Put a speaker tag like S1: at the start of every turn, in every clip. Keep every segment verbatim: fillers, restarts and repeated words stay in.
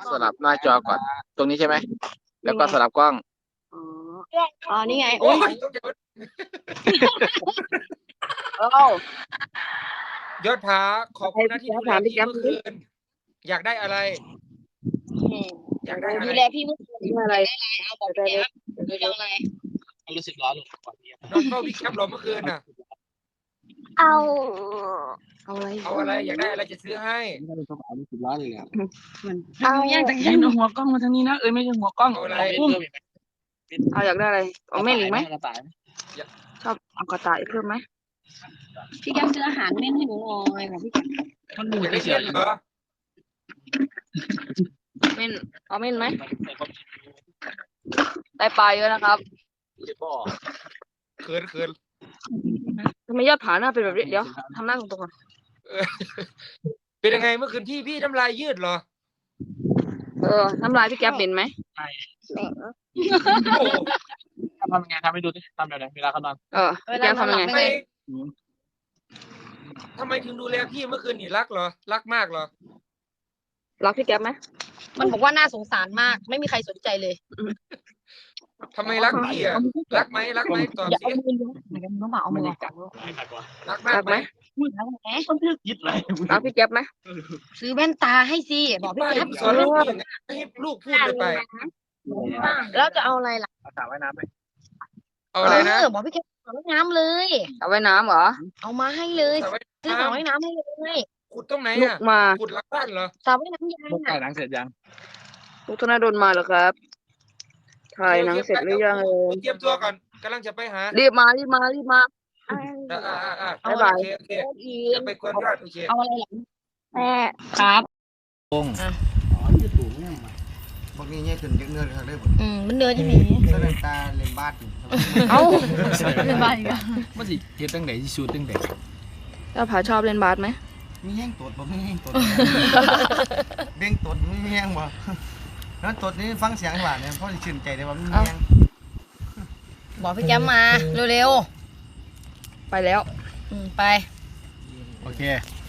S1: สลับหน้าจอก่อน ตรงนี้ใช่ไหมแล้วก็สลับกล้อง
S2: อ๋ออ๋อนี่ไง
S3: โอ้
S2: โอ้
S3: ย
S2: ยเอ้าย
S3: อดผาขอบคุณนะที่ดูแลพี่เมื่อคืนอยากได้อะไร อยากได้อะไร
S2: ดูแลพี่เมื่อคืน
S1: นี่อะไร
S2: ได้อะไรเอาบอกแก๊ปดูแลอะไร
S4: รู้สึกร้อนลงก่อน
S3: นอนเฝ้าพี่แคปเหรอเมื่อคืนน่ะ
S2: เอา เอาอะไร
S3: เอาอะไรอยากได้อะไรจะซื้อให้
S4: รู้สึกร้อนเลยอ่ะ
S2: เอาแย่งจากแย่งหัวกล้องมาทางนี้นะเอ้ยไม่ใช่หัวกล้อง
S3: เอาอะไร
S2: อุ้มเอาอยากได้อะไรเอาแม่หลิงไหม
S4: กระต่าย
S2: ชอบเอากระต่ายเพิ่มไหมพี่แก๊ปซื้ออาหารเม่นให้หนูหน่อยของพี่แก๊ป
S4: มันดู
S3: อยากได้
S4: เฉ
S3: เงิ
S4: ย
S3: นเหรอ
S2: เม่นเอาเม่นไหมได้ปลาเยอะนะครับ
S3: เขินเขิน
S2: ทำไมยอดผาหน้าเป็นแบบนี้เดี๋ยวทำหน้าตรงๆก่อน
S3: เออเป็นยังไงเมื่อคืนพี่พี่น้ำลายยืดเหรอ
S2: เออน้ำลายพี่แก๊ปเป็นไหม
S3: โอ้โห
S4: ทำยังไงทำให้ดูดิทำแบบไหนเวลาเขานอน
S2: เออพี่แก๊ปทำยังไง
S3: ทำไมทำไมถึงดูแลพี่เมื่อคืนนี่รักเหรอรักมากเหรอ
S2: รักพี่แก๊ปไหม
S5: มันบอกว่าน่าสงสารมาก ไม่มีใครสนใจเลย
S3: ทำไมรักพี่อ่ะรักไหมรักไหมตอบ
S5: อย่า
S3: สิ
S5: เอามือเหมือนกันน้องหมาเอามือ
S4: ไม่หนักกว่า
S3: รักมาก
S2: รัก
S3: ไห
S2: ไห
S3: ม
S2: ม
S5: มือแล้วแหม
S4: ยิดเลย
S2: รักพี่แก๊ปไหม
S5: ซื้อแว่นตาให้สิบอกพี่
S3: ป้า
S5: แก๊ป
S3: สอนลูกยังไงให้ลูกพูดเลยไป
S5: แล้วจะเอาอะไรล่ะ
S4: สระว่ายน้ำไหม
S3: เอาอะไรนะ
S5: เออบอกพี่แก๊ปเอาว่ายน้ำเลย
S2: เอาไว้น้ำเหรอ
S5: เอามาให้เลย
S3: สระว่าย
S5: ซื้อสระว่ายน้ำให้เลย
S3: ขุดตรงไหน
S2: ลูก
S3: อ่ะ
S2: มา
S3: ขุดหลังบ้านเหรอ
S5: สระว่ายน้ำยาง
S4: ลูกถ่าย
S5: อ่ะ
S4: หนังเสร็จยัง
S2: ลูกธนาโดนมาเหรอครับถ่ายหนังเสร็จหรือยังเออ
S3: เตรียมตัวก่อนกำลังจะไปหา
S2: รีบมารีบมารีบมา
S3: อ่าอ่าอ่า
S2: บ๊ายบาย
S3: โอเคโอเค
S5: อี
S3: จะไปกวนยอดโอเค
S5: เอาอะไรล่ะ
S2: แม่
S5: ครับ
S6: พวกนี้เนี่ยขึ้นเนื้อเลยผม
S5: อืมมันเนื้อจะมี
S6: เส้นตาเล่นบาดอยู่
S2: เอ้า
S5: เป็นบ้าอีกอ่ะ
S4: มันสิเฮ็ดตั้งไหนสิชูตั้งไหน
S2: เจ้าผาชอบเล่นบาสไหม
S6: มีแห้งตดบ่มีแห้งตดเบ่งตดมีแห้งบ่แล้วตดนี้ฟังเสียงหวานเนี่ยเพราะชื่นใจได้ว่ามีแห้ง
S5: บอกพี่แก๊ปมาเร็ว
S2: ไปแล้ว
S5: ๆอืมไป
S4: โอเค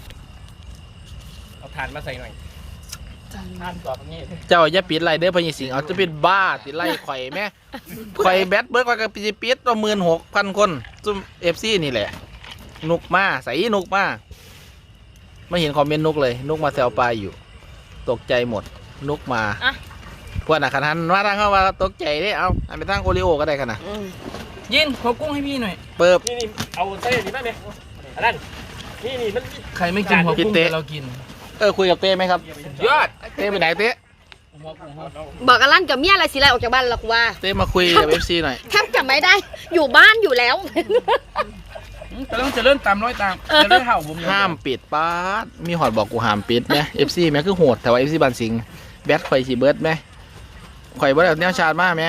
S4: เอาถ่านมาใส่หน่อยถ่านต่อตรงนี้
S7: เจ้าอย่าปิดไรเด้อพญสิงห์เอาจะเป็นบ้าติดไล่ข่อยแม่ข่อยแบตเบิร์ดข่อยก็ปิดปิดตัวหมื่นหกพันคนซุ่มเอฟซีนี่แหละ นุกมาใส่นุกมาไม่เห็นคอมเมนต์นุกเลย นุกมาแซวปลาอยู่ ตกใจหมด นุกมาพวกน่ะขนาดว่าทางเข้าว่าตกใจเด้เอาอันไปทางโอริโอก็ได้ขนาด
S4: ยินขอกุ้งให้พี่หน่อย
S7: เปิบ
S4: นี่นี่เอาเส้นนี้มาไหมอันนั้นนี่นี่มัน
S7: ใครไม่กินหัวกุ้งเรากิน เออคุยกับเต้ไหมครับ
S4: ยอด
S7: เต้ไปไหนเต้
S5: บอกกันลั่นกับเมียอะไรสิไรออกจากบ้านหรอกว่า
S7: เต้มาคุยกับเอฟซีหน่อย
S5: แทบจะไม่ได้อยู่บ้านอยู่แล้ว
S4: แต่ต้องจะเลื่อนตามร้อยตามจะเลื่อนเห่าผม
S7: ห้ามปิดป้าดมีหอดบอกกูห้ามปิดไหมเอฟซีแม่คือโหดแต่ว่าเอฟซีบันสิงห์แบทข่อยสีเบิร์ดไหมข่อยเบิร์ดแบบแนวชาติมากไหม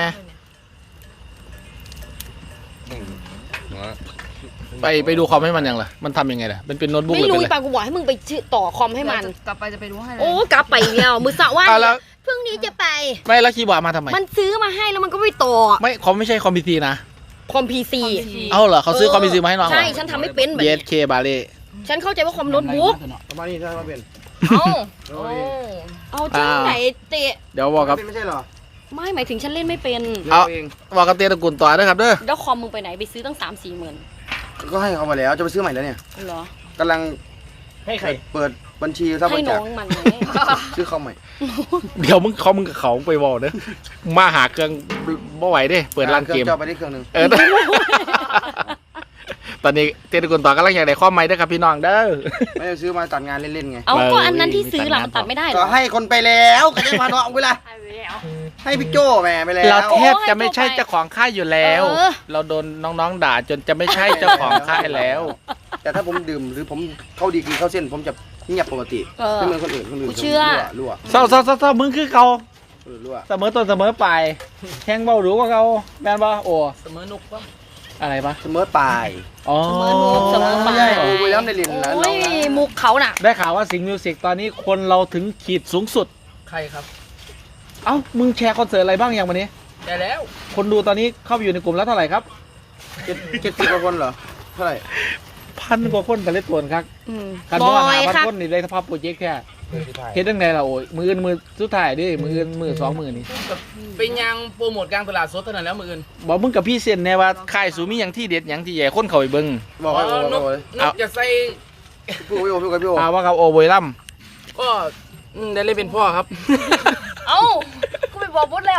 S7: ไปไปดูคอมให้มันยังล่ะมันทำยังไงล่ะมันเป็นโน้ตบุ๊กห
S5: ไม่
S7: รือ
S5: รู้
S7: เป็น
S5: อี
S7: อะไร
S5: ปากูบอกให้มึงไปชื่อต่อคอมให้มัน
S2: กลับไปจะไปดูให้เลย
S5: โอ้กลับไปเนี่ยมือสะว่า
S7: อ่ะแล้ว
S5: พรุ่งนี้จะไป
S7: ไม่แล้วคีย์บอร์ดมาทำไม
S5: มันซื้อมาให้แล้วมันก็ไปต่อ
S7: ไม่คอมไม่ใช่คอมพิวเตอร์นะ
S5: คอมพีซี
S7: เอาเหรอเขาซื้อคอมพิวเตอร์มาให้น้องเหรอ
S5: ใช่ฉันทำไม่เป็นแบบ
S7: เย
S5: นี้
S7: สเคบาเล่
S5: ฉันเข้าใจว่าคอมโน้ตบุ๊ก
S6: ประมาณนี้ถ้ามาเป็น
S5: เอาเอาจริงไหนเตะ
S7: เดี๋ยวบอกกับ
S6: ไม่ใช่หรอ
S5: ไม่หมายถึงฉันเล่นไม่เป็น
S7: เอาบอกกับเต้ตระกูลต่อด้วยครับเด้อ
S5: แล้วคอมมึงไปไหนไปซื้อตั้งสามสี่หมื่น
S6: ก็ให้เขาไปแล้วจะไปซื้อใหม่แล้วเนี่ย
S5: เหรอก
S6: ำลัง
S4: ให้ใคร
S6: เปิดบัญชีรับบ
S5: ให้
S6: ริ
S5: น้
S6: จา
S5: อ
S6: ค
S5: งมันไง
S6: ซื้อคอมใหม่
S7: เดี๋ยวมึงเขามึงกับเขาไปบอกเด้อมาหาเครื่องบ่ไหวเด้เปิดร้านเกม
S6: จอไปได้เครื่องนึง
S7: เออ ตอนนี้เต้ตระกูลต่อกำลังอยากได้ข้อไม้ด้วยครับพี่น้องเด้อ
S6: ไม่ได้ซื้อมาตัดงานเล่นๆไง
S5: เอาก็อันนั้นที่ซื้อหลังตัดไม่ได้เหร
S6: ก็
S5: อ
S6: ให้คนไปแล้วก็ได้มาเนาะเวลาให้พี่โจ้แม่ไปแล้ว
S7: เราแทบจะไม่ใช่เจ้าของค่ายอยู่แล้ว
S5: เออ
S7: เราโดนน้องๆด่าจนจะไม่ใช่เจ้าของค่ายแล้ว
S6: แต่ถ้าผมดื่มหรือผมเข้าดีกรีเข้าเส้น ผมจะเงียบปกติ
S5: เออ
S6: ไม่เหมือนคนอื่นคนอื่น
S5: กูเชื่อ
S6: รั่ว
S7: เศร้าเศร้าเศร้าเศร้ามึงคือเขา
S6: รั่วรั่ว
S7: เสมอต้นเสมอปลายแข่งเบาหรูกว่าเขาแมนบ่โอ้
S4: เสมอนุกปะ
S7: อะไรปะ
S6: เสมอปลาย
S7: อ๋อ
S5: เสมอนุกเสมอปลาย
S6: ใช่โอ้ยแล้วในเรียนนะ
S5: โอ้
S6: น้อย งนะ
S5: มุกเขาน่ะ
S7: ได้ข่าวว่าสิงห์มิวสิกตอนนี้คนเราถึงขีดสูงสุด
S4: ใครครับ
S7: เอ้ามึงแชร์คอนเสิร์ตอะไรบ้างอย่างวันนี้
S4: ได้แล้ว
S7: คนดูตอนนี้เข้าไปอยู่ในกลุ่มแล้วเท่าไหร่ครับ
S6: เจ็ดเจ็ดสิบกว่าคนเหรอเท่าไหร่
S7: พันกว่าคนกันเล่นตัวครับ
S5: อืม
S7: กัน
S5: บ
S7: บ้า
S5: อย
S7: หาพัน
S5: ค่ะ
S7: คนนี่เลยสภาพโปรเจกต์แค่เฮ็ดจังไดล่ะโอ้ยมืออื่นมือสุดท้ายเดิมืออื่นมือสองมือนี่
S4: เป็นยังโปรโมทกลางตลาดสดเท่านั้นแล้วมืออื่น
S7: บอกมึงกับพี่เซนแน่ว่าค่ายสูมีหยังที่เด็ดหยังที่ใหญ่คนเข้าไปเบิ่ง
S6: บอก
S4: อ๋
S6: ให้
S4: อน
S6: บอก
S4: ก
S6: เลย
S4: นกจะใส่
S6: พี่โอพี่โอพี่โอพี่โอ
S7: เอาว่ากับโอโบยล่ำ
S4: ก็อืมได้เล่นเป็นพ่อครับ
S5: เอ้ากูไปบอกบดแล้ว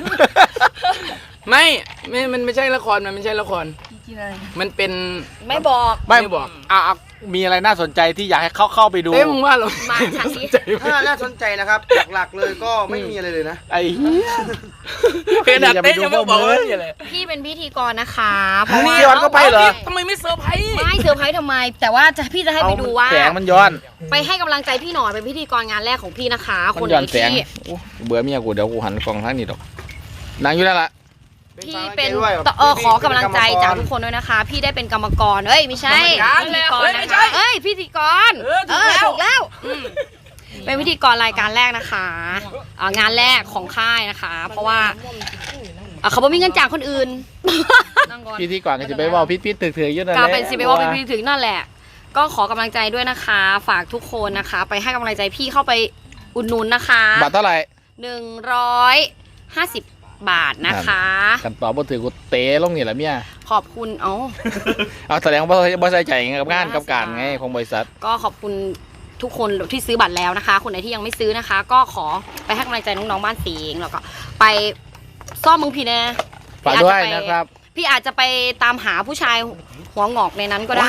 S4: ไม่ไม่มันไม่ใช่ละครมันไม่ใช่ละครมันเป็น
S5: ไม่บอก
S7: ไม่
S4: ไม่บอก
S7: อ่ะอ่ะมีอะไรน่าสนใจที่อยากให้เข้าเข้าไปดู
S4: เอ้ยมึงว่าเหรอ
S5: มาฉันดิ
S6: ถ้าน่าสนใจนะครับ หลักๆเลยก็ไม่มีอะไรเลยนะ
S7: ไอ้เหี้ย
S4: เขนาดเต้นยังไม่บอกว่าอะไร
S5: พี่เป็นพิธีกรนะคะเพราะว่า
S7: ย้อนก็ไปเหรอ
S4: ทำไมไม่เซอร์ไพรส์
S5: ไม่เซอร์ไพรส์ทำไม แต่ว่าจะพี่จะให้ไปดูว่า
S7: แสงมันย้อน
S5: ไปให้กำลังใจพี่หน่อยเป็นพิธีกรงานแรกของพี่นะคะ
S7: มั
S5: คน
S7: น
S5: ไห
S7: ย้อน
S5: น
S7: แสง
S5: ที่
S7: โอ้เบื่อเมียกูเดี๋ยวกูหันกล้องทางนี้ดอกนางอยู่นั่นละ
S5: พี่เป็นเออขอกำลังใจจากทุกคนด้วยนะคะ พี่ได้เป็นกรรมกรเอ้ยไม่ใช่พิธีกรนะคะเอ้ยพิธีกรเออถูกแล้วอืมเป็นพิธีกรรายการแรกนะคะอ่างานแรกของค่ายนะคะ เพราะว่าอ่ะเขาบอกมีเงินจากคนอื่น
S7: พี่ที่ก่อนก็จะไปเว่าพิษพิษถือถือๆอยู่นั่นแห
S5: กา
S7: ละ
S5: เป็นซีเบว่าเป็นพิธีถึงนั่นแหละ ก็ขอกำลังใจด้วยนะคะ ฝากทุกคนนะคะ ไปให้กำลังใจพี่เข้าไปอุดหนุนนะคะ
S7: บาทเท่าไหร่
S5: หนึ่งร้อยห้าสิบบาทนะคะ
S7: กันต่อบ่ถือกูเตะลงนี่แหละเมีย
S5: ขอบคุณเอ้า
S7: เอาแสดงว่าบ่ใส่ใจกับงานกับการไงของบริษัท
S5: ก็ขอบคุณทุกคนที่ซื้อบัตรแล้วนะคะ คนไหนที่ยังไม่ซื้อนะคะ ก็ขอไปให้กำลังใจน้องๆบ้านสิงห์แล้วก็ไปซ่อมมึงพี่แน่
S7: ฝากด้วยนะครับ
S5: พี่อาจจะไปตามหาผู้ชายหัวงอกในนั้นก็ได้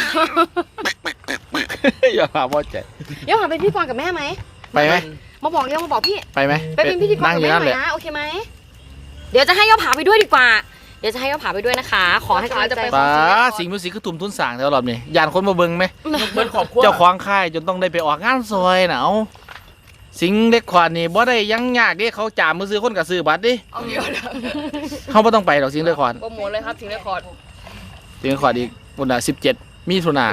S7: อย่าพาพ่อใจ
S5: เดี๋ยวหาเป็นพี่กรกับแม่ไหม
S7: ไปไหม
S5: มาบอกเร็วมาบอกพี่
S7: ไปไหม
S5: ไปเป็นพิธีกร
S7: นั่ง
S5: กับ
S7: อยู่
S5: แม่
S7: นั่น
S5: ห
S7: แห
S5: น่อ
S7: ละ
S5: ยนะโอเคไหมเดี๋ยวจะให้ย่อผาไปด้วยดีกว่า เดี๋ยวจะให้ย่อผาไปด้วยนะคะ ขอให้กำลังใจ
S7: ป้าสิงห์มิวสิกคือตุ่มทุนสร้างแถวรอบนี้ยานคนมาเบิ่งไหม
S4: เบิร์ดขอบคุณ
S7: เจ้าของค่ายจนต้องได้ไปออกงานซอยน่ะเอาสิงห์เล็กขวานนี่บ่ได้ยังยากเด้เขาจ่ามือซื้อคนกับซื้อบัตรดิ
S5: เอาเดี๋ยว
S7: เขาบ่ต้องไปหรอกสิงห์เล็กขวาน
S5: โปรโมทเลยครับถึงได้คอร์ด
S7: สิงห์เล็กขวานอีกวันละสิบเจ็ดมิถุนาร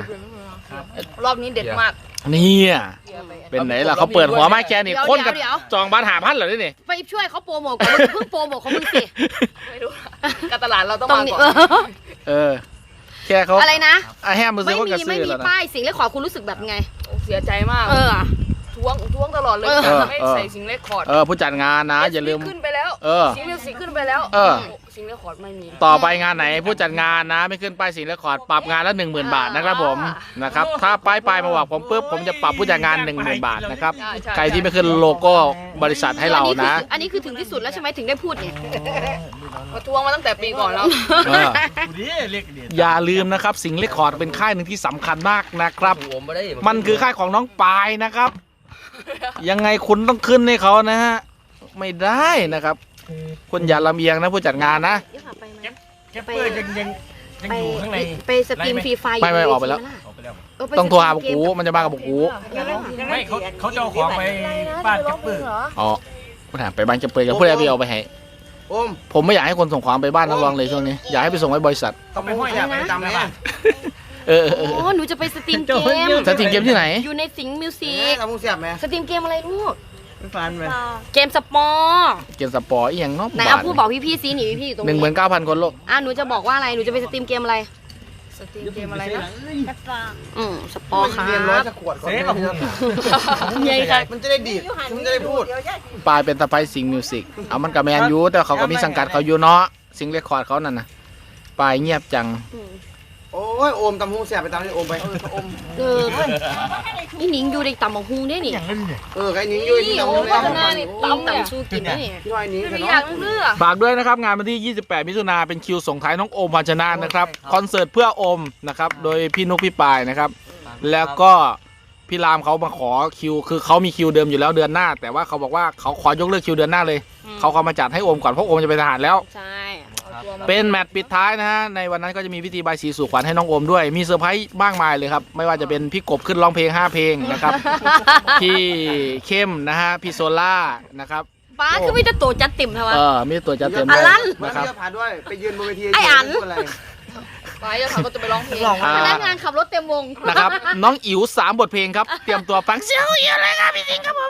S5: อบนี้เด็ดมาก
S7: เนี่ยเป็นไหนล่ะเขาเปิดหัวไม้แค่นี่
S5: เดี๋ยว
S7: คนกับ
S5: เดี๋ยว
S7: จองบัตรหาพันเหรอนี่
S5: ไปช่วยเขาโปรโมทก่อนมึงเพิ่งโปรโมทของมึงสิ
S2: ไม่รู้การตลาดเราต้อง
S5: ตรง
S2: มา
S5: นี้
S2: ก่อน
S7: เออ แค่เขา
S5: อะไรนะ
S7: อ่ะแฮมมือซื้
S5: ไม่
S7: อคน
S5: มี
S7: กับ
S5: ไม่
S7: ซื้อ
S5: มี
S7: แล้วนะ
S5: ป้ายสิ่งเล็กขอคุณรู้สึกแบบไง
S2: เสียใจมาก
S5: เออ
S2: ท้วงท้วงตลอดเลย
S5: เออ
S2: จะให้ใส่สิ่งเลคคอร์ด
S7: เออผู้จัดงานนะ อย่าลืม
S2: ขึ้นไปแล้ว
S7: เออ
S2: สิ่งมิวสิกขึ้นไปแล้ว
S7: เออ
S2: สิ่งเลคคอร์ดไม่มี
S7: ต่อไปงานไหนผู้จัดงานนะ ไม่ขึ้นป้ายสิงห์เรคคอร์ดปรับงานละหนึ่งหมื่นบาทนะครับผมนะครับถ้าป้ายปลายมาบอกผมปุ๊บผมจะปรับผู้จัดงานหนึ่งหมื่นบาทนะครับ
S2: ใช่ใช่
S7: ใครที่ไม่ขึ้นโลโก้บริษัทให้เรานะ
S5: อันนี้คือถึงที่สุดแล้วใช่ไหมถึงได้พูดเนี่ย
S2: มาทวงมาตั้งแต่ปีก่อนแล้ว
S7: เอออย่าลืมนะครับสิงห์เรคคอร์ดเป็นค่ายหนึ่งที่สำคัญมากนะครับ มันคือค่ายของน้องปายนะครับ ยังไงคุณต้องขึ้นให้เขานะฮะไม่ได้นะครับคุณอย่าลำเอียงนะผู้จัดงานนะ
S5: เดี๋ยวหาไปไหม
S4: แคปเปอร์ยังยังยัง
S5: ไป
S4: อยู่ข้างใน
S5: ไปสตรีมฟรีไฟ
S7: ไม่ไม่ออกไปแล้ว
S4: ออกไปแล้ว
S5: เไป
S7: ต้องโทรหา
S5: ส
S7: บุก
S5: ตรี
S7: กู
S5: มเก
S7: มันจะมากับบุกกู
S4: ไม่เขาเขาจะเอาของไปบ้านแคปเปอร์
S7: อ๋อผู้ถามไปบ้านจะเปิดกับผู้ใดไปเอาไปให้
S6: โอม
S7: ผมไม่อยากให้คนส่งของไปบ้านนักร้องเลยช่วงนี้อยากให้ไปส่งไว้บริษัท
S6: ต้องไปห้อยอยากไปจำเลย
S7: เออเออเออ
S5: อ๋อหนูจะไปสตรีมเกม
S7: จะถึงเกมที่ไหน
S5: อยู่ในสิงห์มิวสิ
S6: นี่
S5: ก
S6: ทำมุ้งเสียบไหม
S5: สตรีมเกมอะไรลูก
S6: ไม่ฟันไหม
S5: เกมสปอร์
S7: เกมสปอร์อีหยังเนาะ
S5: ไหนเอาพูดบอกพี่ๆซิหนีพี่ๆอยู่ตรง
S7: หนึ่ง
S5: นี้
S7: หมื่นเก้าพันคนโลก
S5: อ่ะหนูจะบอกว่าอะไรหนูจะไปสตรีมเกมอะไร
S2: สตรีมเกมอะไรนะ
S5: อืมสปอร์ครั
S6: เรียนร้อย
S5: บ
S6: จะขวดก่อน
S4: เซ่กับคุณ
S5: ใหญ่ค่ะ
S6: มันจะได้ดีดมันจะได้พูด
S7: ปลายเป็นตะไคร้สิงห์มิวสิกเอามันกับแมนยูแต่เขาก็มีสังกัดเขาอยู่เนาะสิงห์เรคคอร์ดเขานั่นน่ะปลายเงียบจัง
S6: โอ้ยโอมตำมุ้งเสียบไปตามที่โอมไป
S5: เออนี่หนิงอยู่ในต่ำบังฮูได้นี่
S6: เออใครนิ้งยุ่ยนี่
S2: โอ้
S6: ตำ
S2: พั
S6: มุ้
S2: ฒ
S6: ง
S2: นา
S6: เสียบ
S2: นี่
S5: ต้
S2: ตั้
S5: ม
S2: มเนี่ย
S5: ต่ำชูกินได้นี่
S6: พี่น้อยนิ้ง
S2: ไม่
S6: เนาะ
S2: อยากเลือก
S7: ฝากด้วยนะครับงานวันที่ยี่สิบแปดมิถุนาเป็นคิวส่งท้ายน้องโอมพันชนะนะครับคอนเสิร์ตเพื่อโอมนะครับโดยพี่นุกพี่ปายนะครับแล้วก็พี่รามเขามาขอคิวคือเขามีคิวเดิมอยู่แล้วเดือนหน้า แต่ว่าเขาบอกว่าเขาขอยกเลิกคิวเดือนหน้าเลยเขาเขามาจัดให้โอมก่อนเพราะโอมจะไปทหารแล้ว
S5: ใช่
S7: เป็นแมตช์ปิดท้ายนะฮะในวันนั้นก็จะมีพิธีบายสีสู่ขวัญให้น้องโอมด้วยมีเซอร์ไพรส์มากมายเลยครับไม่ว่าจะเป็นพี่กบขึ้นร้องเพลงห้าเพลงนะครับ พี่เข้มนะฮะพี่โซล่านะครับ
S5: ป้าคือไม่จะโตจัดติ่มใช่ไหม
S7: เออมีตัวจัดเต็ม
S5: อั
S7: เลย
S5: นลั่น
S6: มัน
S7: นะครับ
S6: เยอะผ่านด้วยไปยืนบนเวที
S5: ไอ้อัน
S6: อะไร
S2: ไปแล้วเขาก็จะไปร้องเพลง
S7: อ่า
S5: พนักงานขับรถเต็มวง
S7: นะครับน้องอิ๋วสามบทเพลงครับเตรียมตัวฟังเสียงอิ๋วเลยครับพี่สิงห์ครับผม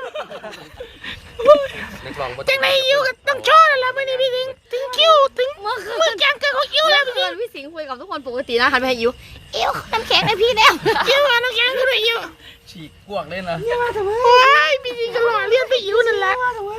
S7: จังในอิ๋วก็ต้องโชว์แล้วไม่ได้พี่สิงห์ถึงคิวถึง
S5: เมื่อคืน
S7: มือแกงเกิดของอิ๋วแล้ว
S5: เมื่อคืนพี่สิงห์คุยกับทุกคนปกตินะหันไปให้อิวอิ้วน้ำแข็งให้พี่แล้วอิ้วน้ำแข็งก็เลยอิ้ว
S4: ฉีกกวกเลยนะ
S5: ว้ายพี่จีก็หล่อเลี้ยงไปอิ้วนั่นแหละ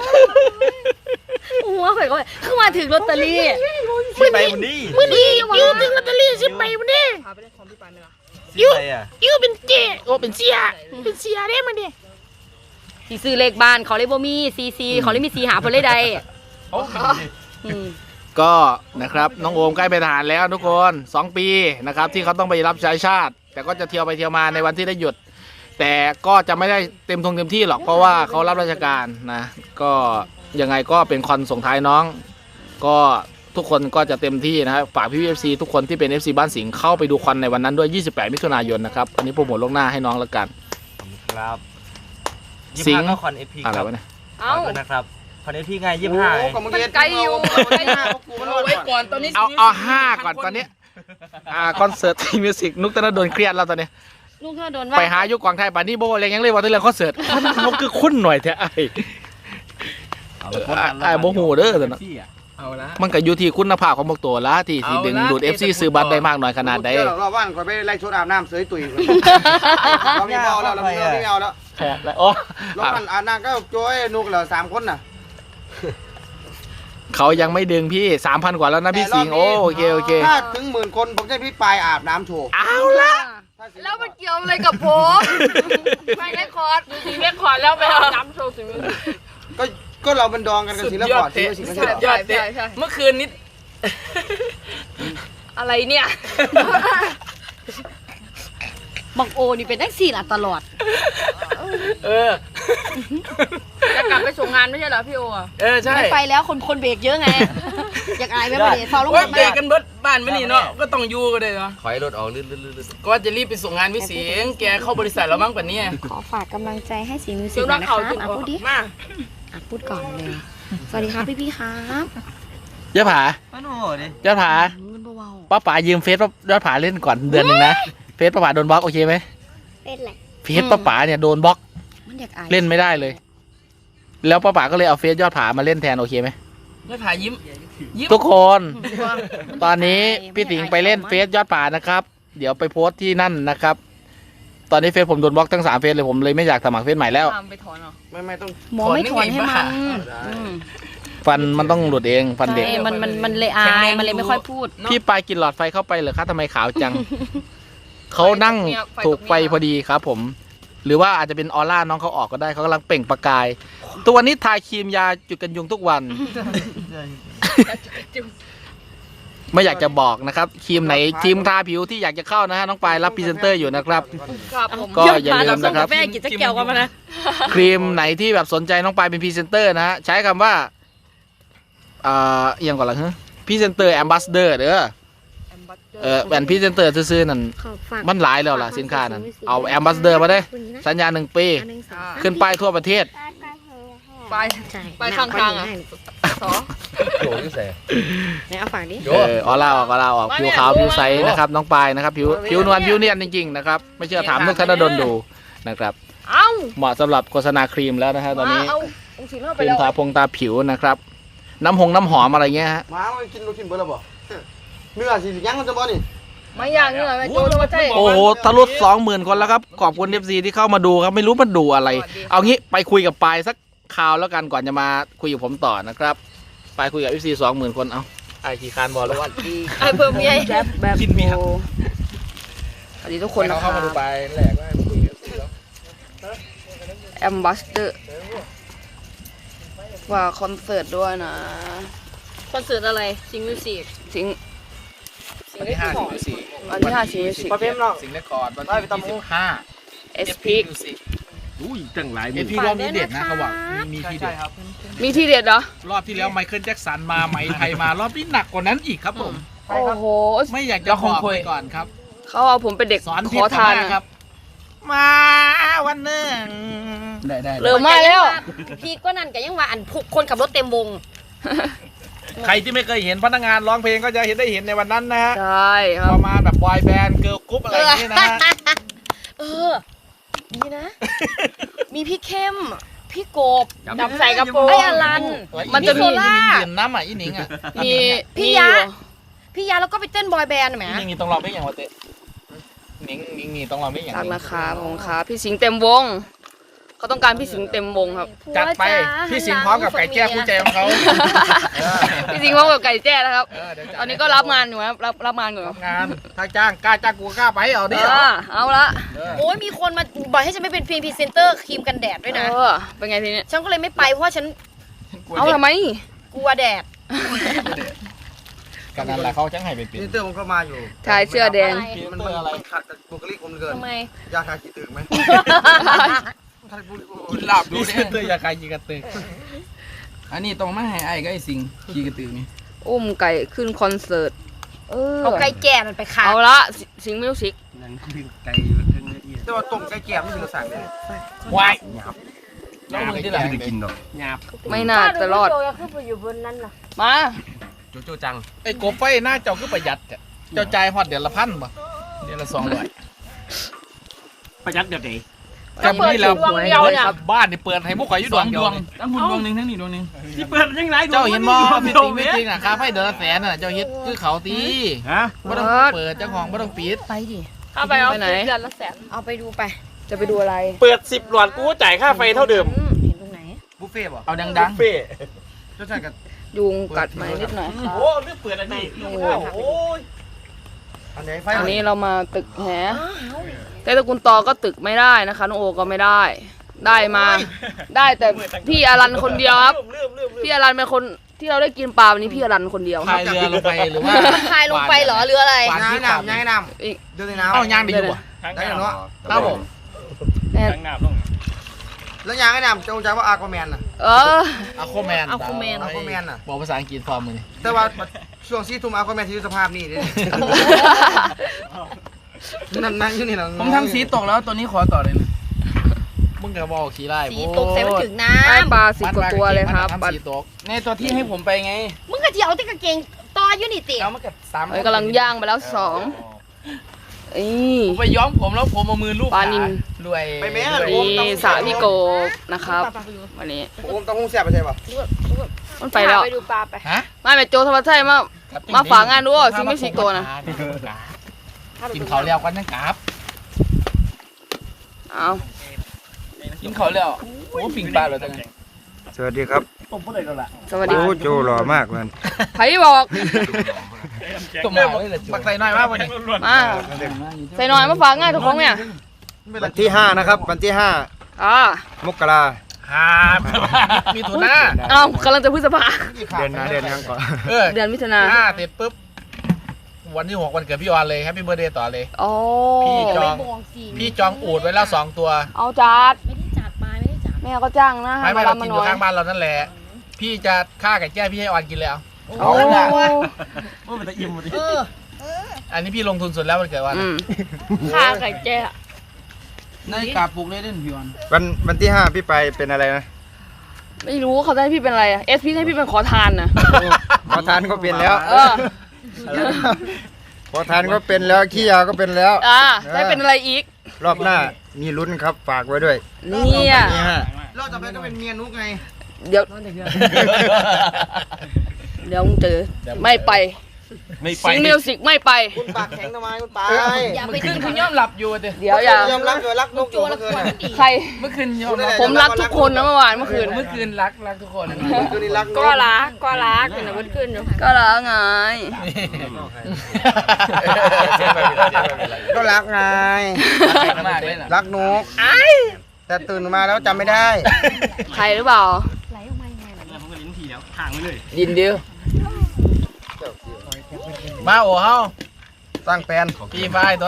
S5: หัวข่อยก็เข้ามาถึงลอตเตอรี่
S6: สิไปมันดี
S5: มื้อนี้อิ้วถึงลอตเตอรี่สิไปมื้อนี้
S6: สิไปอ่ะ
S5: อิ้วเป็นเจโอ้เป็นเสียเป็นเสียได้มื้อนี้สิซื้อเลขบ้านเขาเลยบ่มีซีซีเขาเลยมีซีหาเพิ่นเลยใด
S6: เขาเป็นดี
S5: อืม
S7: ก็นะครับน้องโอมใกล้เป็นทหารแล้วทุกคนสองปีนะครับที่เขาต้องไปรับใช้ชาติ แต่ก็จะเที่ยวไปเที่ยวมาในวันที่ได้หยุด แต่ก็จะไม่ได้เต็มทงเต็มที่หรอกเพราะว่าเขารับราชการนะก็ยังไงก็เป็นคอนส่งท้ายน้อง ก็ทุกคนก็จะเต็มที่นะครับฝากพี่พีเอฟซีทุกคนที่เป็น เอฟ ซี บ้านสิงห์เข้าไปดูคอนในวันนั้นด้วยยี่สิบแปดมิถุนายนนะครับอันนี้โปรโมทล่วงหน้าให้น้องแล้วกัน
S6: ครับ
S7: สิงห์
S6: ยี่สิบห้าก็คอนเอพี
S7: อะไร
S6: ครับ
S7: วะเนี่ย
S5: เอ้า
S6: ขอบคุณนะครับคอนเอพีไงยี่สิบห้า
S2: มันไกลอยู่
S4: เอาไว้ก่อนตอนนี้
S7: เอาเอาห้าก่อนตอนนี้อ่าคอนเสิร์ตทีมิวสิกนุกตนดลเครียดแล้วตอนนี้
S5: ลูกเธอโดนว่า
S7: ไปหายุคกวางไทยป่านนี้โบเรียงยังเลยว่าที่เรื่องคอนเสิร์ตเขาคือคุ้นหน่อยแท้ไอ้ ไอ้โมโหเด้อแต่นะ
S4: เอาละ
S7: มันก็อยู่ที่คุณภาพของพวกตัวละที่ที่ดึงดูด เอฟ ซี ซื้อบัตรได้มากน้อยขนาดใด
S8: เดี๋ยวเราว่านคอยไปไล่ชุดอาบน้ำเสยตุยเราไม่เอาแล้วเราไม่เอาไม่เอาแล้ว
S7: แพ้แล้วโอ้
S8: รถมันอาบน้ำก็โจ้ยนุกเหรอสามคนน่ะ
S7: เขายังไม่ดึงพี่สามพันกว่าแล้วนะพี่สิงห์โอ้โอเคโอเค
S8: ถ้าถึงหมื่นคนผมจะพี่ปลายอาบน้ำโชว์
S7: เอาละ
S2: แล้วมันเกี่ยวอะไรกับผมไม่ได้คอร์ดดูสิเรียกคอร์ดแล้วไปเอาน้ำโชว์สิ
S8: ก็ก็เราเป็นดองกันกับศิลปะศิลป์ศิลป์
S4: สุดยอดเตะเมื่อคืนนิด
S2: อะไรเนี่ย
S5: บอกโอนี่เป็นแท็กซี่ล่ะตลอด
S4: เออ
S2: จะกลับไปส่งงานไม่ใช่เหรอพี่โออ่ะ
S4: เออใช่
S5: ไม่ไปแล้วคนคนเบรกเยอะไง อยากอายไหมประเดี๋ยวฟาวลง
S4: โอ้ย
S5: มา
S4: เบรกกันเบิดบ้านไม่นี่เนาะก็ต้องอยู่กันเลยเนาะ
S6: ถอยรถออกลื่นลื่นลื่น
S4: ก็ว่าจะรีบไปส่งงานวิสิงห์แกเข้าบริษัทแล้วมั้งป่ะเนี่ย
S5: ขอฝากกำลังใจให้สีมิวสิ
S2: เดี๋
S5: ก
S2: ยว
S5: หน่
S2: รั
S5: อก ยนะค
S2: เขา
S5: รับ
S2: จริง
S5: อ่ะพูดดิ
S2: มา
S5: อ่ะพูดก่อนเลย สวัสดีครับพี่พี่ๆครับ
S7: ยอดผา
S6: มันโอ้โหดิ
S7: ยอดผา
S5: มันเบา
S7: ป้าป๋ายืมเฟซป้ายอดผาเล่นก่อนเดือนหนึ่งนะเฟซป้าป๋าโดนบล็อกโอเคไหม
S5: เป็นแหละ
S7: เฟซป้าป๋าเนี่ยโดนบล็อก
S5: มันอยากอาย
S7: เล่นไม่ได้เลย แล้วป้าป๋าก็เลยเอาเฟซยอดผามาเล่นแทนโอเคไหม
S4: ไม่ผ่ายิ้ม ยิ้ม
S7: ทุกคน ตอนนี้พี่สิงห์ไปเล่นเฟซยอดผานะครับ เดี๋ยวไปโพสต์ที่นั่นนะครับ ตอนนี้เฟซผมโดนบล็อกทั้งสามเฟซเลยผมเลยไม่อยากสมัครเฟซใหม่แล้ว
S2: ทำไปถอนเหรอ
S8: ไม่ไม่ต้อง
S5: หมอไม่ถอนให้มันอืม
S7: ฟันมันต้องหลุดเองฟันเด็ก
S5: ใช่มันมันมันเลยอายมันเลยไม่ค่อยพูด
S7: พี่ปลายกินหลอดไฟเข้าไปเหรอคะทำไมขาวจัง เขานั่งถูกไฟพอดีครับผม หรือว่าอาจจะเป็นออร่าน้องเขาออกก็ได้เขากำลังเปล่งประกาย ตัวนี้ทาครีมยาจุดกันยุงทุกวัน ไม่อยากจะบอกนะครับครีมไหนครีมทาผิวที่อยากจะเข้านะฮะน้องปลายรับพรีเซนเตอร์อยู่นะครับ
S2: ครับผม
S7: ก็อย่าลืมนะครับ
S5: แม่กินจะเกี่ยวกันมานะ
S7: ครีมไหนที่แบบสนใจน้องปลายเป็นพรีเซนเตอร์นะฮะใช้คำว่าอ่าเอียงก่อนละฮะพรีเซนเตอร์แอมบาสเดอร์เด้อเออแอนพรีเซนเตอร์ซื้อๆนั่นมันหลายแล้วล่ะสินค้านั้นเอาแอมบาสเดอร์มาได้สัญญาหนึ่งปีขึ้นป้ายทั่วประเทศ
S2: ไปไปข้างทางอ่ะสอ
S6: โหยิ่งแสบ
S5: ไหนเอาฝากดิ
S7: เออออร่าออกออร่าออกผิวขาวผิวใสนะครับน้องปลายนะครับผิวผิวนวลผิวเนียนจริงๆนะครับไม่เชื่อถามนุกธนดลดูนะครับ
S2: เอ้า
S7: เหมาะสำหรับโฆษณาครีมแล้วนะฮะตอนนี้
S2: เอาองค์ศิลป์เข้า
S7: ค
S2: ไป
S7: รีม
S2: แล้ว
S7: ทาพงทาผิวนะครับ น้ำหงน้ำหอมอะไรเงี้ยฮะ
S8: หมามันกินลูกชิ้นเบอร์ละบ่เนื้อสิยังมันจะบ่นี่
S2: ไม่ยากนี่เลยไม่โจจะมาใช่
S7: โอ้โหทะลุสองหมื่นคนแล้วครับขอบคุณเอฟซีที่เข้ามาดูครับไม่รู้มันดูอะไร เอางี้ไปคุยกับปลายสักคราวแล้วกันก่อนจะมาคุยกับผมต่อนะครับไปคุยกับเอฟซีสองหมื่นคนเอาไอขี่คานบอลแล้ว
S2: ไอ้เพิ่มเมีย
S5: แบบแบบ
S7: กินเมีย
S2: สวัสดีทุกคนนะค
S7: เข้า
S2: รับ
S7: มาดูไปแหลกว่าคุยกับ
S2: แอมบัสเดอร์ว่าคอนเสิร์ตด้วยนะ
S5: คอนเสิร์ตอะไรซิงมิวสิก
S2: สิง
S7: วันที่ห้าสิงห์สี่
S2: วันที่ห้าสิงห์สิง
S8: ประเภทน้อง
S7: สิงห์เรคคอร์ดวันที่ยี่สิบห้า
S2: เอสพี
S6: อุ้ยตั้งหลาย
S7: เอพีรอบนี้เด็ดนะเขาบอกมีมีทีเด็ด
S2: มีที่เด็ดเหรอ
S7: รอบที่แล้วไมเคิลแจ็คสันมาไหมไทยมารอบนี้หนักกว่านั้นอีกครับผม
S2: โอ้โห
S7: ไม่อยากจะบอกไปก่อนครับ
S2: เขาเอาผมเป็นเด็ก
S7: สอน
S2: ข
S7: พิษ
S2: อทาน
S7: ต่อหน้าครับ มาวันหนึ่งได้ได้
S2: เริ่มมาแล้ว
S5: พี่ก็นั่นก็ยังว่าอันพุกคนขับรถเต็มวง
S7: ใครที่ไม่เคยเห็นพนักงานร้องเพลงก็จะเห็นได้เห็นในวันนั้นนะฮะ
S2: ใช่ครับ
S7: ประมาณแบบบอยแบนด์เกิร์ลกรุ๊ปอะไรอย่างนี้นะฮะ
S5: เออดีนะ มีพี่เข้ม พี่โกบ
S2: จับใส่กระโปรง
S5: ไอ้อลัน
S2: มันจะมี
S5: โซล่า
S7: เปลี่ยนน้ำอ่ะอีหนิงอ่ะ
S2: มี
S5: พี่
S2: มี
S5: ยะ
S2: อยู่
S5: พี่ยาแล้วก็ไปเต้นบอยแบนด์ไหม
S7: อีหนิงนี่ต้องร้องเพลงอย่างวะเต้นิ้งนิ้งนี่ต้องลองไม่อย่าง
S5: รัก
S7: นี้
S5: นะครับผมครับพี่สิงห์เต็มวงเขาต้องการพี่สิงห์เต็มวงครับ
S7: จัดไปพี่สิงห์พร้อมกับไก่แจ้คู่ใจของเขาเออ
S5: พี่สิงห์พร้อมกับไก่แจ้นะครับ
S7: เออเดี๋ยวจัด
S5: ตอนนี้ก็รับงานอยู่ครับรับรับงานอยู่ค
S7: รั
S5: รั
S7: บบ งานถ้าจ้างกล้าจ้างกูกล้าไปเอาดิ
S5: เออเอาละ
S7: เออ
S5: โอ้ยมีคนมาบอกให้ฉันไม่เป็นพรีเซนเตอร์ครีมกันแดดด้วยนะเออเป็นไงทีนี้ฉันก็เลยไม่ไปเพราะว่าฉันเอาทำไมกลัวแดด
S7: กันนั่นแหละเขาจ้างให้เป็นปี
S6: นี่เตอร์ผมก็มาอยู่
S5: ชายเสื้อแดง
S6: มันมันอะไรขัดกับบุคลิกผมเหลือเกิน
S5: ทำไม
S6: ยาคาคิดตึกไหมขัดบุคลิกผม
S4: กินลาบดู
S7: ดู
S4: เด้
S7: เตอร์ยาคายยิงกระตึก
S4: อันนี้ต้องมาให้ไอ้ก็ไอ้สิงขี่กระตือนี่
S5: อุ้มไก่ขึ้นคอนเสิร์ตเออ
S2: เอาไก่แก่มันไปขาย
S5: เอาละสิสิงห์มิวสิก
S6: นั่นคือไก่ทั้งเนื้อที่แต่ว่าต้มไก่แก้มนี่คือเราสั่งเลยว
S7: ายแล้วมึงที่ไหน
S6: ไม่ได้กินหรอก
S5: ไม่น่าจะรอดมา
S6: โจโจจัง
S7: ไอ้กบไฟหน้าเจ้าคือประหยัดอะเจ้าจ่ายฮอดเดือนละพันป่ะเดือนละสองร้อย
S4: ประหยัดเดี๋ยวไหน
S7: จำนี่แล้วบ้านนี่เปิดให้พวกข่อยอยู่
S4: ส
S7: ด
S4: อ
S7: ว
S4: ง
S7: ง
S4: ด
S7: เดียว
S4: วง
S7: เลย
S4: ทั้งคุณดวงหนึ่งทั้งนี่ดวงหนึ่งที่เปิดยังไง
S7: เจ้าเห็นบ่พี่ติงไม่จริงอ่ะค่าไฟเดือนละแสนน่ะเจ้าเฮ็ดคือเขาตี
S4: ฮะ
S7: บ่ต้องเปิดเจ้าของบ่ต้องปิด
S5: ไปดิ
S2: เอาไปเอา
S5: ไปไหน
S2: เดือนละแสน
S5: เอาไปดูไป จะไปดูอะไร
S3: เปิดสิบหลอดกูจ่ายค่าไฟเท่าเดิม
S5: อืมเห็นตรงไหน
S6: บุฟเฟ่ต์ป่ะ
S4: เอาดัง
S3: เฟ่
S6: โจจังกับ
S5: ยุงกัดไหมนิดหน่อยครับ
S3: โอ้เรื่องเปิดอันนี้โอ้ย
S6: อันไหนไฟ
S5: อันนี้เรามาตึกแหแต่ตระกูลตอก็ตึกไม่ได้นะคะน้องโอก็ไม่ได้ ได้มา ได้แต่พี่อรันคนเดียวครับ
S3: เริ่มเริ่มเริ่ม
S5: พี่อรันเป็นคนที่เราได้กินปลาวันนี้พี่อรันคนเดียว
S7: พายเรือลงไปหรือว่า
S5: พายลงไปเหรอหรืออะไร
S7: หวาน
S6: ย่าง
S7: ที่
S6: ให้
S7: ขาด
S6: น้ำย่างให้น้
S5: อีก
S6: ำเดินในน้ำ
S7: เอาย่างดีอยู่บ่
S6: ได้เนาะ
S7: ครับผม
S5: แน่
S3: ทั้งหน้าต้อง
S6: แล้วย่างให้น้ำโจจังว่าอาร์คอแมนน่ะ
S5: เออ
S7: อะโคแมน
S5: Aquaman
S6: อาร์คอแมนน่ะ
S7: บอกภาษาอังกฤษพร้อมมือนี่
S6: แต่ว่าช่วงซีทุ่มอาร์คอแมนที่อยู่สภาพนี้เด้นั่นนั่งอยู่นี่นะ
S4: ๆผมทำสีตกแล้วตัวนี้ขอต่อเลยนะ
S7: มึงก็บอกขี้ไล่
S5: สีตกใส่ไม่ถึงน้ำได้ปลาสิบกว่าตัวเลยครับปลา
S7: สีตก
S4: ในตัวที่ให้ผมไปไง
S5: มึงกะเจียวที่กางเกงต่ออยู่นี่ติ
S4: เอามากับสาม
S5: เอ้ยกำลังย่างไปแล้วสองอี
S4: ผมไปย้อมผมแล้วผมเอามือลูบ
S5: ปลานิล
S4: รวย
S6: ไปแม่
S5: นี่สระพี่โกบนะครับวันนี้
S6: โอมต้องหุ้งแซ่บไปใช่ป่ะ
S5: มันไปแล้ว
S2: ไปดูปลาไป
S7: ฮะ
S5: ไม่แม่โจธรรมชาติมามาฝากงานด้วยซิงไม่สิโกนะ
S7: กินเขาวแล้วกันนะกราบ
S5: เอา
S4: กินเขาแล้วโอ้ปิ่งปลาเลยตั้งไง
S6: สวัสดีครับ
S5: สวัสดี
S6: โอ้โจหล่อมากเลย
S5: ไผบอก
S7: ตัวมาเลยเหรอบักใส่น้อยมากวันนี้
S5: มาใส่หน่อยมาฝากงานทุกคนเนี่ย
S6: วันที่ห้านะครับวันที่ห้า
S5: อ่าม
S6: กรา
S7: ครับมีถุนหน้า
S5: เอ้ากำลังจะพฤษภา
S6: เดือนหน้าเดือนยังก่อน
S7: เออ
S5: เดือนมิถุนา
S7: ห้าเสร็จปุ๊บวันที่หกวันเกิดพี่ออนเลยแฮปปี้เบอร์เดย์ต่อเลย
S5: โอ้
S7: พี่จองพี่จองอูดไว้แล้วสองตัว
S5: เอาจัดไม่ได้จัดมาไม่ได้จัดแม่ก็จ้างนะ
S7: ไม่
S5: ให้
S7: ไม่
S5: มา
S7: เรา
S5: รับ
S7: กิ
S5: มาน หน่อย
S7: อยู่ข้างบ้านเรานั่นแหละ พี่จะฆ่าไก่แจ้พี่ให้ออนกินเลยเอา
S5: โอ้
S4: ว่ามันจะอิ่มหมดดิ
S7: อันนี้พี่ลงทุนสุดแล้ววันเกิดวัน
S5: อืม
S2: ค่าไก่แก่
S4: ในกาปลูกเลยเด่นพี่วัน
S6: วันวันที่ห้าพี่ไปเป็นอะไรนะ
S5: ไม่รู้เขาจะให้พี่เป็นอะไรอะเอสพี่ให้พี่เป็นขอทานนะ
S6: ขอทานก็เป็นแล้ว
S5: เออ
S6: ขอทานก็เป็นแล้วขี้ยาก็เป็นแล้ว
S5: อ่าได้เป็นอะไรอีก
S6: รอบหน้ามีลุ้นครับฝากไว้ด้วย
S5: เนี่ย
S6: นี่ฮะรอบต่อไปก็เป็นเมียนุกไง
S5: เดี๋ยวเดี๋ยวมึงเจอไม่ไป
S3: ไม่ไป
S5: ซิงมิวสิกไม่ไป
S6: คุณปากแข็งทำไมคุณปา
S5: อย่าไป
S4: เมื่อคืนคุณย่อมหลับอยู่เด้
S5: เดี๋ยวอย่าย
S6: อมรับเลยรักนกอยู่เมื่อคืนน่ะ
S5: ใคร
S4: เมื่อคืนยอมรับ
S5: ผมรักทุกคนนะเมื่อวานเมื่อคืน
S4: เมื่อคืนรักรักทุกคน
S6: เมื่อคืนนี้รักน
S2: ก็รักก็รักเป็นอะไรขึ้นอยู่
S5: ก็แล้วไง
S6: ก็รักไง
S4: มากเลยนะ
S6: รักนกแต่ตื่นมาแล้วจำไม่ได้
S5: ใครหรือเปล่า
S4: ยินเดียว
S7: มาโอ้เฮา
S6: สร้างแปลน
S7: พี่ไฟตัว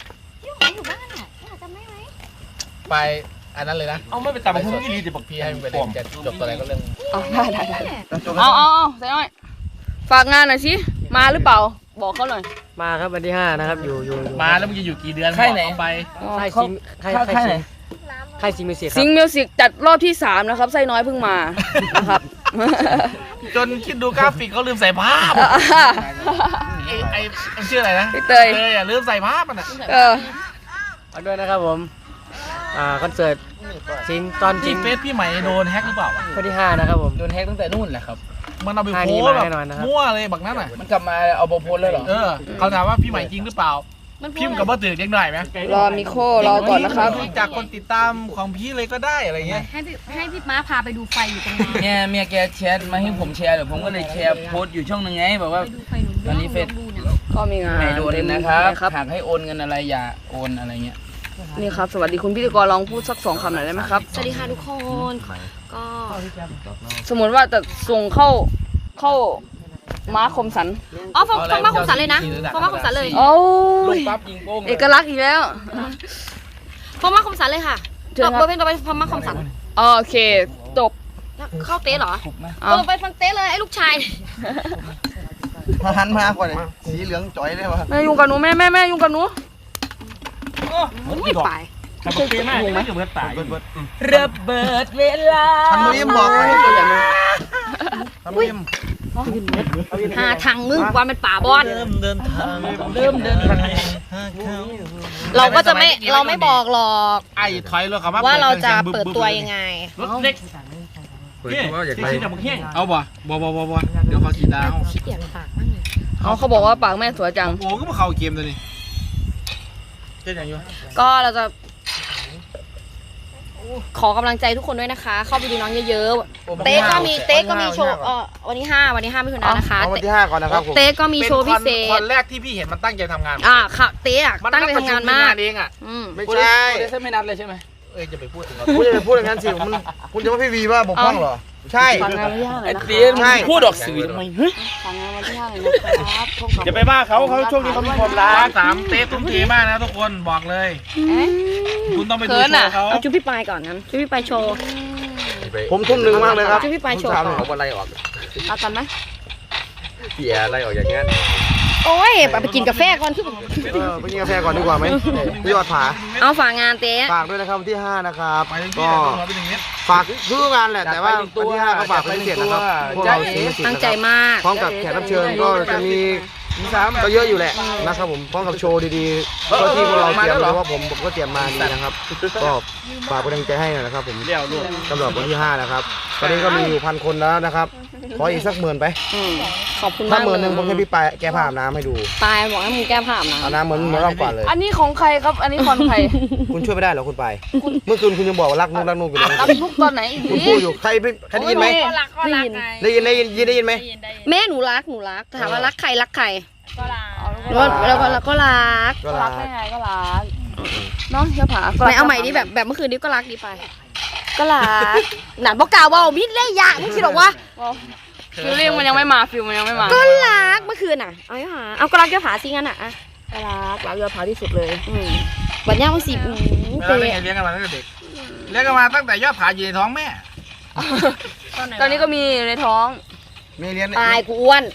S7: ไปอันนั้นเลยนะ
S3: เอาไม่ไปตัดหุ้นยี่ลีจะบอก
S7: พี่ให้มึงไปเล่นจะจบตัวอะไรก็เรื่อง
S5: เอาได้ได้ได้เอาเอาเอาใส่หน่อยฝากงานหน่อยสิมาหรือเปล่าบอกเขาหน่อย
S9: มาครับวันที่ห้านะครับอยู่อยู่
S7: มาแล้วมึงจะอยู่กี่เดือน
S4: ค่ายไหน
S7: บอกเขาไป
S9: ค่าย
S5: เขา
S9: ซิงค่าย
S4: ค่ายค่ายไหน
S9: ค่ายซิงมิวสิกค
S5: ซิ
S9: รับ
S5: งมิวสิกจัดรอบที่สามนะครับไส้น้อยเพิ่งมานะครับ
S7: จนคิดดูกราฟิกเขาลืมใส่ภาพไอ้ไอ้มันชื่ออะไรนะ
S5: พี่เตย
S7: เตยอ่ะลืมใส่ภาพมันอ่ะ
S5: เออ
S9: เอาด้วยนะครับผมอ่าคอนเสิร์ตซิงตอนซิ
S7: ที่
S9: ง
S7: เฟซพี่ใหม่โดนแฮกหรือเปล่าวะ
S9: วันที่ห้านะครับผม
S4: โดนแฮกตั้งแต่นู่นแหละครับ
S7: มันเอาไป
S9: ท่า
S7: โพ
S9: นี้
S7: สต์
S9: มา
S7: แบบ
S9: แน่นอนนะครับ
S7: มั่วเลยบักนั้นอ่ะ
S4: มันกลับมาเอาโบโพสเลยเหรอ
S7: เออเขาถามว่าพี่ใหม่จริงหรือเปล่า
S5: มันพู
S7: พิ
S5: ด
S7: มพ์กับว่าตื่นเด็กหน่อยไหม
S2: รอมิโครอก่อนนะครับ
S7: จากคนติดตามของพี่เลยก็ได้อะไรเงี้ย
S5: ให้พี่ให้พี่ม้าพาไปดูไฟอยู่ตรงนั้น
S4: เมียเมียแกแชทมาให้ผมแชร์เดี๋ยวผมก็เลยแชร์โพสต์อยู่ช่องหนึงไงบอกว่า
S5: ไปดูไฟหนู
S4: ตอนนี้เฟซ
S5: ดูเนี่ย
S2: ก็มีงาน
S4: ไม่โดนนะครับ
S2: ครับ
S4: หากให้โอนเงินอะไรอย่าโอนอะไรเงี้ย
S2: นี่ครับ สวัสดีคุณพิธีกรลองพูดสักสองคำหน่อยได้ไหมครับ
S5: สวัสดีค่ะทุกคนก็
S2: สมมติว่าจะส่งเข้าเข้าม้าคมสัน
S5: อ๋อฟังฟังมาคมสันเลยนะฟังมาคมสันเลย
S2: โอ้
S4: ลง
S2: ย
S4: ปั๊บยิงโป้งเลย
S2: เอกลักษณ์อีกแล้ว
S5: ฟังมาคมสันเลยค่ะ
S2: เชิญ
S5: ต่อ
S2: ครับ
S5: เบอร์เพลงต่อไปฟังมาคมสัน
S2: โอเคจบ
S5: เข้าเต้เหรอ
S2: เอา
S5: เออไปฟังเต้เลยไอ้ลูกชาย
S6: มาหันมากกว่าเลยสีเหลืองจ่อยเลยวะ
S2: แม่ยุ่งกับหนูแม่แม่แม่ยุ่งกับหนู
S5: ไม่ไป
S4: ขับรถเก่งมากไม่เกือบตาย
S6: เบิดเบิด
S4: ระเบิดเวลา
S6: ทันมุยิมบอกไว้ตัวอย่างนึงทันมุยิม
S5: หาทางมึงวันเป็นป่าบอน
S7: เริ่มเดินทาง
S4: เริ่มเดินทาง
S5: เราก็จะไม่เราไม่บอกหรอก
S7: ไอ้ถอยรถเขามา
S5: ว่าเราจะเปิดตัวยังไง
S4: รถเล็ก
S1: เปิดตัวอยากไป
S7: เอาบ่บ่บ่บ่บ่เดี๋ยวเขาสีดาว
S5: ขี้เกียจฝากมากเลย
S2: เขาเขาบอกว่าปากแม่สวยจัง
S7: โอ้ก็มาเข้าเกมตัวนี้เจ๊ยังอยู่
S5: ก็เราจะ ขอกำลังใจทุกคนด้วยนะคะ เข้าไปดูน้องเยอะๆ เต๊ก็มีเต๊ก็มีโชว์เออวันที่ห้าวันที่ห้ามิถุนายนนะคะ
S6: เอาวันที่ห้าก่อนนะครับผม
S5: เต๊ก็มีโชว์พิเศ
S7: ค
S5: ษ
S7: นแรกที่พี่เห็นมันตั้งใจทำงาน
S5: อ่าค่ะเต๊อะตั้งใจทำงานมาก
S7: เองอ่ะ
S5: อืม
S6: ไม่ใช่
S4: ได้เส้นไม่นัดเลยใช่ไหม
S7: เอ้ยจะไปพูดถึง
S6: คุณจะไปพูดอย่างนั้นสิมันคุณจะว่าพี่วีว่าบกพร่องเหรอใช่
S2: ฟังงานวันที่ห้าหน่อย
S4: ไอ้
S2: นะค
S4: เตี้ย
S2: รับ
S4: มึงพูดออกสื่อทำไมเฮ้ย
S2: ฟังงานวันที่ห้าหน่อยนะครับพบกับ
S4: อย่าไปว่าเขาเขาช่วงนี้เขามีความรั
S7: ร้าก นสามเต๊ตุ้มเทมากนะทุกคนบอกเลย คุณต้องไปดูโชว์เขา
S5: เอาจุ๊บพี่ปายก่อนนั้นจุ๊บพี่ปายโชว์
S6: ผมทุ่มหนึ่งมากเลยครับ
S5: จุ๊บพี่ปายโชว์
S6: ถามหน่อย
S1: เอาอะไรออก
S2: เอากันไหม
S1: เสียอะไรออกอย่างเงี้ย
S5: โอ้ยไปกินกาแฟก่อนที่
S6: เออไปกินกาแฟก่อนดีกว่าไหมพี่ยอดผา
S5: เอาฝากงานเต๊
S6: ฝากด้วยนะครับวันที่ห้านะครับ
S7: ไปถึงที่
S6: ก็
S7: ไหนต้องมาไปถึงนี้
S6: ฝากทุกงานแหละแต่ว่าวันที่ห้าก็ฝากเป็นพิเศษนะครับพวกเราศิลปิน
S5: ตั้งใจมาก
S6: พร้อมกับแขกรับเชิญก็จะมีก็เยอะอยู่แหละนะครับผมพร้อมกับโชว์ดีๆก็ที่พวกเราเตรียมเพราะว่าผมผมก็เตรียมมาดีนะครับก็ฝากเป็นกำลังใจให้หน่อยนะครับผม
S4: เลี้ยวลูก
S6: สำหรับวันที่ห้านะครับตอนนี้ก็มีอยู่พันคนแล้วนะครับขออีกสักหมื่นไป
S5: อืมขอบคุณ
S6: ถ้าม
S5: าก
S6: หมื่นหนึ่งผม
S5: เล
S6: ให้
S5: ย
S6: พี่ปายแก้ผ้าอาบน้ำให้ดู
S5: ปายบอกให้มึงแก้ผ้าอาบ
S6: อาบ
S5: น้ำ
S6: น้ำเหมือนเหมือนรอบก่อนเลย
S2: อันนี้ของใครครับ อันนี้คอนใคร
S6: คุณช่วยไม่ได้เหรอคุณปายเมื่อคืนคุณยังบอกว่ารักนุกรักนุกอยู่เลย
S2: รับทุกตอนไหนอีก
S6: คุณ
S2: ที
S6: พูดอยู่ใครไม่ใครได้ยินไหม
S5: ได้ยิน
S6: ได้ยินได้ยินได้ยินไหม
S5: แม่หนูรักหนูรักถามว่ารักใครรักใคร
S2: ก็รัก
S5: แล้วก็แล้วก็รัก
S6: ก็
S2: ก็
S6: รั
S2: รั
S6: ก
S2: กได้ไงก็รักเน้องเชื่อผา
S5: ไหนเอาใหม่ดิแบบแบบเมื่อคืนนี้ก็รักดีไป ก็รักหนานบอกกล่าวว่ามิดเลยยะมึงคิดหรอวะ
S2: ฟิลลิ่งมันยังไม่มาฟิลมันยังไม่มา
S5: ก็รักเมื่อคืนน่ะเอาไม่หาเอาก็รักจะผาซิงั้นอ่ะอ่ะ
S2: ก็รักรักยอดผาที่สุดเลย
S5: อืมบัดย่างมันสิบ
S7: เว
S5: เต
S7: ลาเลี้ยงเลี้ยงกันมาตั้งแต่เด็กเลี้ยงกันมาตั้งแต่ยอดผาอยู่ในท้องแม่
S2: ตอนนี้ก็มีในท้อง
S6: มีเรียน
S5: ตายกูอ้วน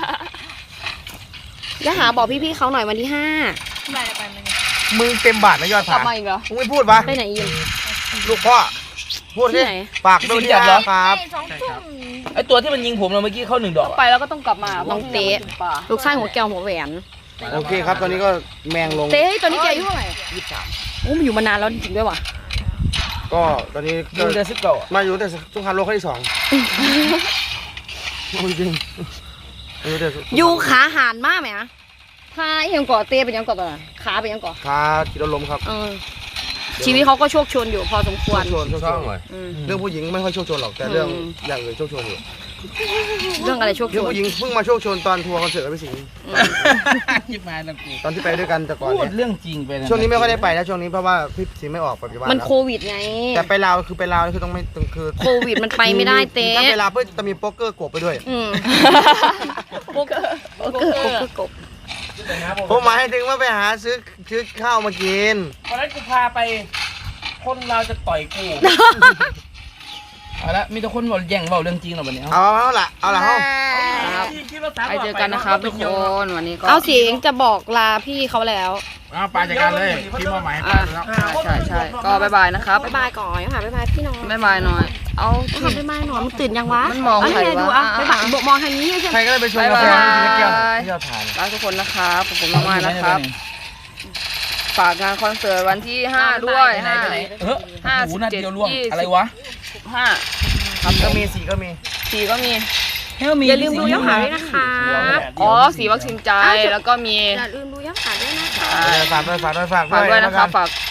S5: จะหาบอกพี่ๆเขาหน่อยวันที่ห้า
S6: มึงเต็มบาทนะยอด
S2: กลั
S6: ผา
S2: บมาอีกเหรอ
S6: มึงไม่พูดปะ
S5: ไปไหนยิน
S6: ลูกพ่อพูด
S5: ที่
S6: ดิ
S5: ไหน
S6: ฝากด้วยที่ห้าครับ
S4: ไอ้ตัวที่มันยิงผมเราเมื่อกี้เข้าหนึ่งดอก
S2: ไปแล้วก็ต้องกลับมา
S5: น้องเต๊ะ
S2: ป่า
S5: ลูกชายหัวแก้วหัวแหวน
S6: โอเคครับตอนนี้ก็แมงลง
S5: เต้ตอนนี้แกอายุเท่าไหร่ยี่สิบสามโอ้มันอยู่มานานแล้วจริงๆด้วยว่ะ
S6: ก็ตอนนี้
S4: ยิ
S6: ก็
S4: งเดือนสิบเก้า
S6: มาอยู่แต่สงครามโลกครั้งที่สองจริงอยู่แต่
S5: อยู่ขาหานมากไหมอะขายังก่อเต้เป็นยังก่อตอนนั้นขาเป็นยังก่อ
S6: ขาขีดลมครับ
S5: เออชีวิตเขาก็โชคชนอยู่พอสมควร
S6: โชคโชนโชคโชน
S5: อืม
S6: เรื่องผู้หญิงไม่ค่อยโชคโชนหรอกแต่เรื่อง
S5: อืม
S6: อย่างอื่นโชคโชนอยู่
S5: เรื่องอะไรโชคช
S6: เรื่อง
S5: น
S6: ผู้หญิงเพิ่งมาโชคโชนตอนทัวร์คอนเสิร์ตกับพี่สิงห์
S4: ยิบมาแล้วกู
S6: ตอนที่ไปด้วยกันแต่ก่อน
S4: พูด
S6: เนี่ย
S4: เรื่องจริงไปะ
S6: ช่วงนี้ไม่ค่อยได้ไปนะช่วงนี้เพราะว่าพี่สิงห์ไม่ออกปัจจุบัน
S5: มัน
S6: แล้ว
S5: โควิดไง
S6: แต่ไปลาวคือไปลาวคือต้องไม่ต้องคือ
S5: โควิดมันไปไม่ได้เต้
S6: ถ้าไปลาวเพื่อจะมีโป๊กเกอร์กบไปด้วย
S5: อืมโป๊กเกอร์โป๊กเกอร์โป๊กเกอร์กบ
S6: ผมหมายถึงว่าไปหาซื้อซื้อข้าวมากิน
S4: วันนั้นกูพาไป คนเราจะต่อยกูเอาละมีแต่คนบอกแย่งเบาเรื่องจริงหรอวันนี้
S6: เอาเอาละเอาละเอา
S2: ไปเจอกันนะครับทุกคนวันนี้ก็
S5: เอาเสียงจะบอกลาพี่เขาแล้ว
S7: เอาปลาจัดการเลยพี่มอบหมายให้ป
S2: อ่ะ
S7: ลาแล้ว
S2: ใช่ใช่ก็บายบายนะครับ
S5: บ๊ายบายก่อนค่ะบ๊ายบายพี่น้อง
S2: บายบายหน่อย เอา
S5: ทำบ๊ายบายหน่อยมันตื่นยังวะ
S2: มันมอง
S5: เา
S2: ใคร
S5: ให้ดู
S2: วะ
S5: อ่ะ
S2: อ่ะ
S5: บ๊ายบายบอกมองทางนี้ใช่ไห
S6: ใค
S5: ม
S6: รก็ได้ไปชวนกาแฟ
S2: บ๊ายบาย
S6: กินแก้วที่ยอดทาน
S2: รักทุกคนนะครับผมน้องมายนะครับ ฝากงานคอนเสิร์ตวันที่ห้าด้วย
S4: ไปไหน
S2: ห้า
S4: ไปไหนเออ
S2: ห้า
S4: หู
S2: สิบ
S4: นัด
S2: เจ็ด
S4: เดียวล่วง
S2: ยี่สิบ
S4: อะไรวะ
S2: ห้า
S6: ครับก็มีสีก็มี
S2: สี่ก็มี
S5: อย่าลืมดูยอดขายด้วยนะคะ
S2: อ๋อสีวัคซีนใจแล้วก็มี
S5: อย่าลืมดูยอดขายด้วยนะคะ
S4: อ่า
S6: ฝากด้วยฝากด้วยฝาก
S4: ฝากด้วยนะ
S6: แล้ว
S4: ค
S6: กั
S4: รับฝาก